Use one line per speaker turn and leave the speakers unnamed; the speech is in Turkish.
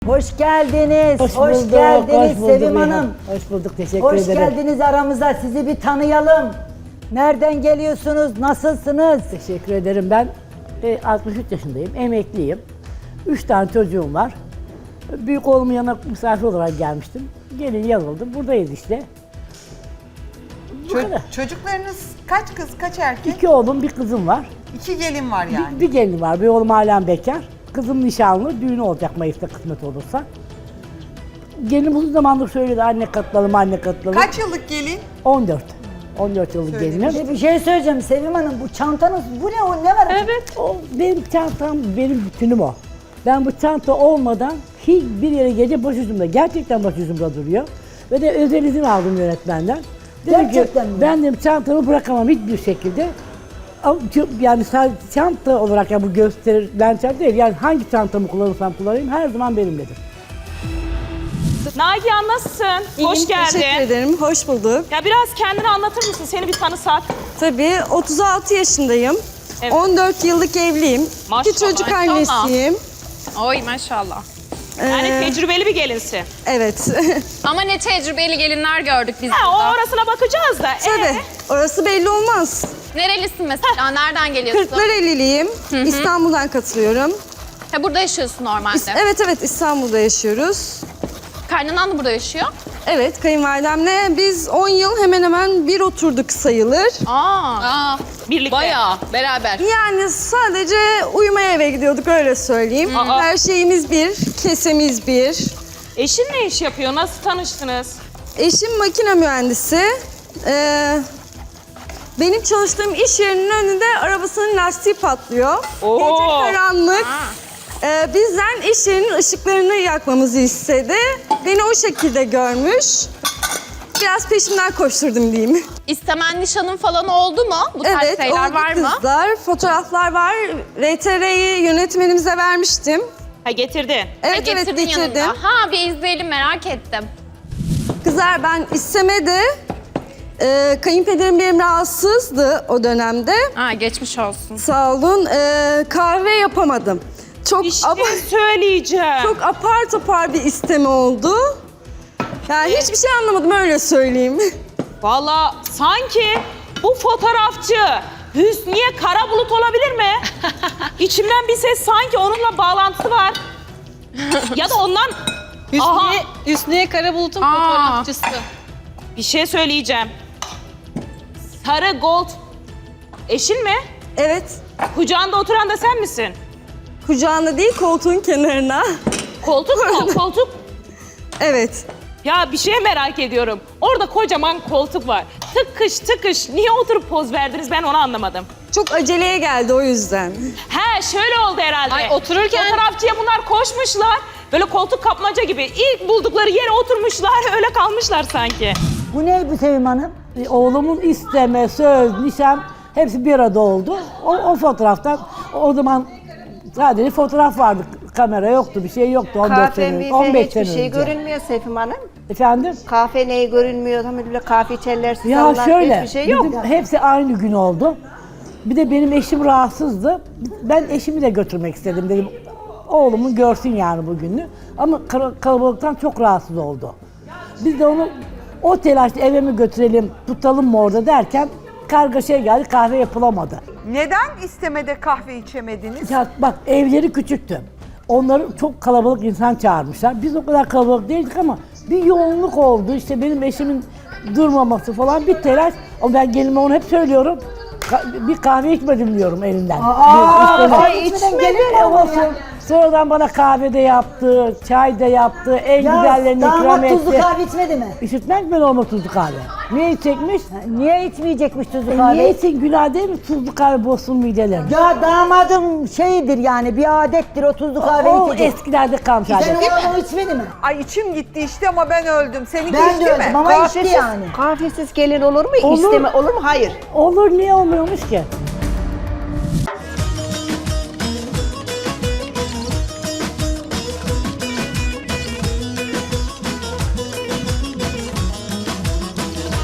Hoş geldiniz.
Hoş bulduk,
geldiniz
hoş bulduk
Sevim Hanım.
Hoş bulduk, teşekkür
Hoş
ederim.
geldiniz aramıza. Sizi bir tanıyalım. Nereden geliyorsunuz? Nasılsınız?
Teşekkür ederim. Ben 63 yaşındayım, emekliyim. 3 tane çocuğum var. Büyük oğlumun yanına misafir olarak gelmiştim. Gelin yazıldım, buradayız işte. Bu kadar.
Çocuklarınız kaç kız, kaç erkek?
2 oğlum, bir kızım var.
2 gelin var yani.
Bir gelin var, bir oğlum halen bekar. Kızım nişanlı, düğünü olacak Mayıs'ta kısmet olursa. Gelinim uzun zamandır söyledi, anne katılalım, anne katılalım.
Kaç yıllık gelin?
14. 14 yıllık
Söylemiş.
gelinim.
Bir şey söyleyeceğim Sevim Hanım. Bu çantanız, bu ne o? Ne var?
Evet, o benim çantam, benim bütünüm o. Ben bu çanta olmadan hiçbir yere gece başucumda, gerçekten başucumda duruyor. Ve de özel izin aldım yönetmenden. Dedim
Gerçekten
ki,
mi?
ben dedim çantamı bırakamam hiçbir şekilde. Yani sadece çanta olarak ya bu gösterilen çanta değil, yani hangi çantamı kullanırsam kullanayım her zaman benimledir.
Nagihan nasılsın? Hoş geldin.
Teşekkür ederim, hoş bulduk.
Ya biraz kendini anlatır mısın? Seni bir tanısak.
Tabii 36 yaşındayım.
Evet.
14 yıllık evliyim.
Maşallah,
Bir çocuk
maşallah.
annesiyim.
Oy maşallah.
Yani tecrübeli bir gelinsin.
Evet.
Ama ne tecrübeli gelinler gördük biz
Ha,
burada.
o orasına bakacağız da.
Tabii, orası belli olmaz.
Nerelisin mesela? Nereden geliyorsun?
Kırklareliliyim. İstanbul'dan katılıyorum.
Ha, burada yaşıyorsun normalde.
Evet, İstanbul'da yaşıyoruz.
Kaynanan da burada yaşıyor.
Evet, kayınvalidemle biz 10 yıl hemen hemen bir oturduk sayılır.
Aa.
Birlikte.
Bayağı beraber.
Yani sadece uyumaya eve gidiyorduk öyle söyleyeyim.
Aa.
Her şeyimiz bir, kesemiz bir.
Eşin ne iş yapıyor? Nasıl tanıştınız?
Eşim makine mühendisi. Benim çalıştığım iş yerinin önünde arabasının lastiği patlıyor.
Oo.
Gece karanlık. Bizden iş yerinin ışıklarını yakmamızı istedi. Beni o şekilde görmüş. Biraz peşimden koşturdum diyeyim.
İstemen nişanın falan oldu mu? Bu tarz
Evet,
şeyler
oldu
var mı?
kızlar. Fotoğraflar var. RTR'yi yönetmenimize vermiştim.
Ha getirdin.
Evet,
Getirdin
getirdim.
yanında. Ha bir izleyelim merak ettim.
Kızlar ben istemede kayınpederim benim rahatsızdı o dönemde.
Ha geçmiş olsun.
Sağ olun. Kahve yapamadım. Çok
İşte
apa-
söyleyeceğim.
çok apar topar bir isteme oldu. Yani hiçbir şey anlamadım öyle söyleyeyim.
Valla sanki bu fotoğrafçı Hüsniye Karabulut olabilir mi? İçimden bir ses sanki onunla bağlantısı var. Ya da ondan... Aha,
Hüsniye Karabulut'un
Aa.
fotoğrafçısı.
bir şey söyleyeceğim. Sarı Gold eşin mi?
Evet.
Kucağında oturan da sen misin?
Kucağında değil koltuğun kenarına.
Koltuk mu? Koltuk.
Evet.
Ya bir şey merak ediyorum. Orada kocaman koltuk var. Tıkış tıkış. Niye oturup poz verdiniz ben onu anlamadım.
Çok aceleye geldi o yüzden.
He şöyle oldu herhalde.
Ay, otururken-
Fotoğrafçıya bunlar koşmuşlar. Böyle koltuk kapmaca gibi. İlk buldukları yere oturmuşlar. Öyle kalmışlar sanki.
Bu ne bu Sevim Hanım?
Oğlumun isteme, söz, nişan hepsi bir arada oldu. O fotoğraftan o zaman sadece fotoğraf vardı. Kamera yoktu, bir şey yoktu 14 sene önce. 15 sene
hiçbir şey
önce.
görünmüyor Seyfim Hanım.
Efendim?
Kahve neyi görünmüyor, tam böyle kahve içerler,
Ya
susallar,
şöyle,
hiçbir şey yok.
bizim hepsi aynı gün oldu. Bir de benim eşim rahatsızdı. Ben eşimi de götürmek istedim dedim. Oğlumu görsün yani bugünü. Ama kalabalıktan çok rahatsız oldu. Biz de onu o telaşla eve mi götürelim, tutalım mı orada derken kargaşaya geldi, kahve yapılamadı.
Neden istemede kahve içemediniz?
Ya bak evleri küçüktü. Onları çok kalabalık insan çağırmışlar. Biz o kadar kalabalık değildik ama bir yoğunluk oldu. İşte benim eşimin durmaması falan bir telaş. Ama ben gelinime onu hep söylüyorum. Bir kahve içmedim diyorum elinden.
Ay içmedi olsun.
Sonradan bana kahve de yaptı, çay da yaptı, en
Ya
güzellerini ikram
damat
etti.
tuzlu kahve içmedi mi?
İşitmez mi normal tuzlu kahve? Niye içecekmiş?
Niye içmeyecekmiş tuzlu
Niye
kahve?
içsin günah değil mi tuzlu kahve bozsun midelerini?
Ya damadım şeydir yani bir adettir o tuzlu kahve
O
içecek.
eskilerde kalmış
Sen
adet.
onu içmedi mi?
Ay içim gitti işte ama ben öldüm. Seninki
Ben
içti
de
mi?
öldüm ama içti yani.
Kahvesiz gelin olur mu?
Olur.
İsteme olur mu? Hayır.
Olur niye olmuyormuş ki?